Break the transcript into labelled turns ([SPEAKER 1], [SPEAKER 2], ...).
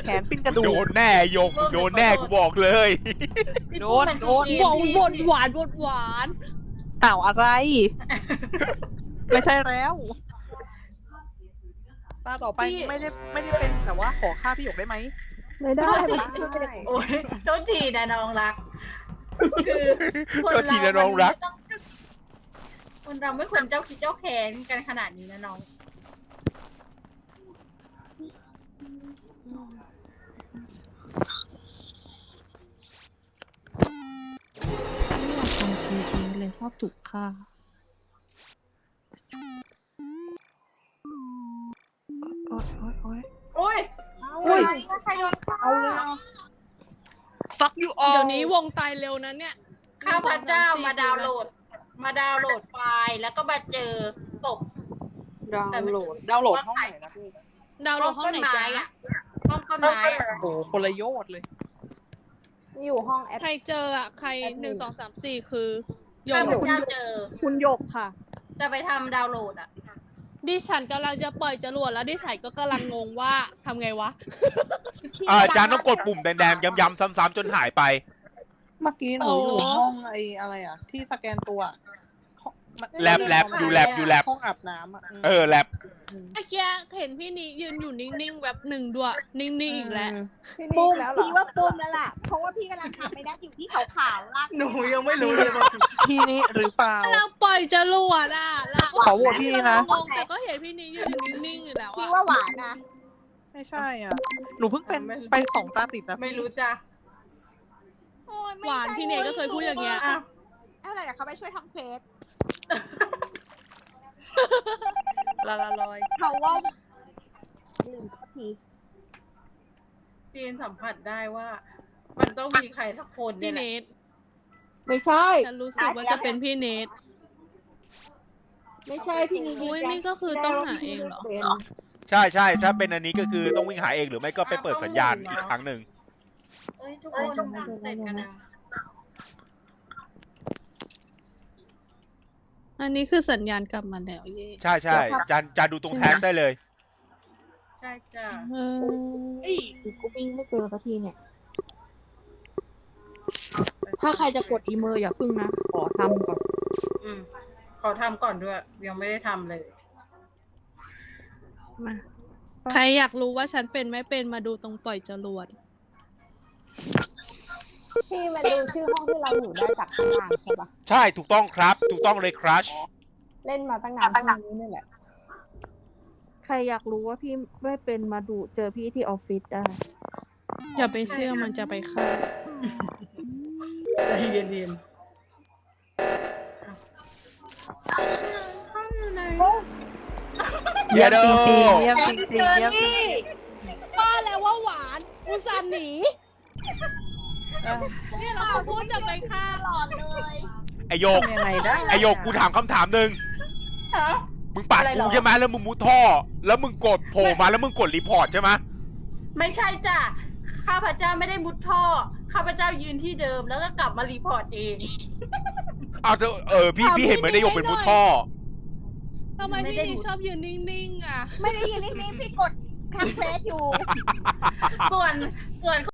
[SPEAKER 1] แขนปิ้นกระดูก
[SPEAKER 2] โดนแน่โยกโดนแน่กูบอกเลย
[SPEAKER 1] โดน
[SPEAKER 3] บอกบนหวานบนหวาน
[SPEAKER 1] อ้าวอะไร ไม่ใช่แล้วตาต่อไปไม่ได้เป็นแต่ว่าขอฆ่าพี่หยกได้ไหม
[SPEAKER 4] ไม่ได้
[SPEAKER 5] โอ้ยโทษทีนะน้องรัก คือคน
[SPEAKER 2] โทษทีนะน้องรัก
[SPEAKER 5] คนเราไม่ควรเจ้าคิดเจ้าแค้นกันขนาดนี้นะน้อง
[SPEAKER 3] ไม่อยากทำทีนี้เลยชอบถูกฆ่าโอ๊ย
[SPEAKER 5] โอ้ย
[SPEAKER 1] อุ้ย
[SPEAKER 4] ใครโดน
[SPEAKER 1] เอาเลย
[SPEAKER 3] ฟักอยู่เดี๋ยวนี้วงตายเร็วนะเนี่ย
[SPEAKER 5] ข้าพเจ้ามาดาวน์โหลดไฟล์แล้วก็มาเจอศพ
[SPEAKER 1] ดาวน์โหลดห้องไหนนะพี่
[SPEAKER 3] ดาวน์โหลดห้องไหนจ๊ะ
[SPEAKER 5] ห้องต้นไม้อะ
[SPEAKER 1] โอ้โหคนละโยชน์เลย
[SPEAKER 4] อยู่ห้องแอด
[SPEAKER 3] ใครเจออ่ะใคร1 2 3 4คือโย
[SPEAKER 5] ข้าน พเจ้าเจอ
[SPEAKER 4] คุณหยกค่ะ
[SPEAKER 5] จะไปทำดาวน์โหลดอ่ะ
[SPEAKER 3] ดิฉันกำลังจะปล่อยจรวดแล้วดิฉันก็กำลังงงว่าทำไงวะ
[SPEAKER 2] อาจารย์ต้องกดปุ่มแดงๆย้ำๆซ้ำๆจนหายไป
[SPEAKER 1] เมื่อกี้หนูอยู่ห้องไอ้อะไรอ่ะ ที่สแกนตัวห้อง
[SPEAKER 2] แลบอยู่แลบ
[SPEAKER 1] ห้องอาบน้ำอ่ะ
[SPEAKER 2] แลบ
[SPEAKER 3] เมื่อกี้เห็นพี่นี้ยืนอยู่นิ่งๆแบบหนึ่งด้วยนิ่งๆอีกแล้ว
[SPEAKER 4] พี่
[SPEAKER 6] ปุ้
[SPEAKER 4] นี่
[SPEAKER 6] ม
[SPEAKER 4] แล้วเหรอ
[SPEAKER 6] พี่ว่าปุ้มแล้วล่ะ เพราะว่าพี่กำลังทำไม่ได้อยู่ที่ขาวๆลาก
[SPEAKER 5] หนูยังไม่รู้เลยว่า
[SPEAKER 1] พี่นี่หรือเปล่า
[SPEAKER 3] เราปล่อยจรวดอ่ะแล้ว
[SPEAKER 1] ขอโหวตพี่นะ
[SPEAKER 3] งงแต่ก็เห็นพี่นี้ยืนอยู่นิ่งๆอยู่แล้ว
[SPEAKER 6] พี่
[SPEAKER 3] อ่ะ
[SPEAKER 6] ว่าหวานนะ
[SPEAKER 1] ไม่ใช่อ่ะ หนูเพิ่งเป็น2 ตาติดนะ
[SPEAKER 5] ไม่รู้จ้ะ
[SPEAKER 6] โอ้ยไม่
[SPEAKER 3] หวาน
[SPEAKER 6] ใช่
[SPEAKER 3] พี่เนยก็เคยพูดอย่างเงี้ย
[SPEAKER 5] อ้าว
[SPEAKER 6] อะไรเดี๋ยวเขาไปช่วยทำเควส
[SPEAKER 1] ละลอย
[SPEAKER 6] เขาว่าลืมสักที
[SPEAKER 5] จีนสัมผัสได้ว่า มันต้องมีใครสักคน
[SPEAKER 3] พี่
[SPEAKER 5] เนี่ยแห
[SPEAKER 3] เน
[SPEAKER 5] ละ
[SPEAKER 3] ท
[SPEAKER 6] ไม่ใช่
[SPEAKER 3] ฉันรู้สึกว่าจะเป็นพี่เนท
[SPEAKER 6] ไม่ใช่พี่นี่
[SPEAKER 3] อุ้ยนี่ก็คือต้องหาเองเหรอ
[SPEAKER 2] ใช่ ถ้าเป็นอันนี้ก็คือต้องวิ่งหาเองหรือไม่ก็ไปเปิดสัญญาณอีกครั้งหนึ่ง
[SPEAKER 5] เอ้ยทุกคนเสร็จกันนะ
[SPEAKER 3] อันนี้คือสัญญาณกลับมาแล้วเย่
[SPEAKER 2] ใช่จานดูตรงแท็กได้เลย
[SPEAKER 5] ใช่จ้ะ
[SPEAKER 3] เออ
[SPEAKER 6] กูวิ่งไม่เจอสักทีเนี่ย ถ้าใครจะกดอีเมลอย่าพึ่งนะ ขอทำก่อน
[SPEAKER 5] อืมขอทำก่อนด้วย ยังไม่ได้ทำเลย
[SPEAKER 3] มาใครอยากรู้ว่าฉันเป็นไม่เป็นมาดูตรงปล่อยจรวด
[SPEAKER 4] พี่มาดูชื่อห้องที่เราอยู่ได้จากข้างล่างใช่ปะ
[SPEAKER 2] ใช่ถูกต้องครับ ถูกต้องเลยครัช
[SPEAKER 4] เล่นมาตั้งนานห้องนี้นี่แหละ ใครอยากรู้ว่าพี่ไม่เป็นมาดูเจอพี่ที่ออฟฟิศได้
[SPEAKER 3] อย่าไปเชื่อมันจะไปฆ่า
[SPEAKER 5] ใจเย็น
[SPEAKER 2] เยโด
[SPEAKER 1] เยี่ยมจริงๆเยี่ยมจริง
[SPEAKER 3] ว่าแล้วว่าหวานอุตส่าห์หนีเนี่ยเราขอพูดจะไปฆ่า
[SPEAKER 6] หลอดเลย
[SPEAKER 2] ไอโยก
[SPEAKER 1] ทำยังไงได้
[SPEAKER 2] ไอโยกกูถามคำถามหนึ่ง
[SPEAKER 5] ๆฮะ
[SPEAKER 2] มึงปัด
[SPEAKER 5] อะไรหร
[SPEAKER 2] กู
[SPEAKER 5] อ
[SPEAKER 2] ใช่ไหมแล้วมึงมุดท่อ แล้วมึงกดโผล่มาแล้วมึงกดรีพอร์ตใช่ไหม
[SPEAKER 5] ไม่ใช่จ้ะ ข้าพเจ้าไม่ได้มุดท่อ ข้าพเจ้ายืนที่เดิมแล้วก็กลับมารีพอร์ตเอง
[SPEAKER 2] อ้าวพี่เห็นเหมือนไอโยกเป็นมุดท่อ
[SPEAKER 3] ทำไมพี่นี่ชอบยืนนิ่งๆอ่ะ
[SPEAKER 6] ไม่ได้ยินนิ่งๆพี่กดทำเควสอยู่
[SPEAKER 5] ส่วน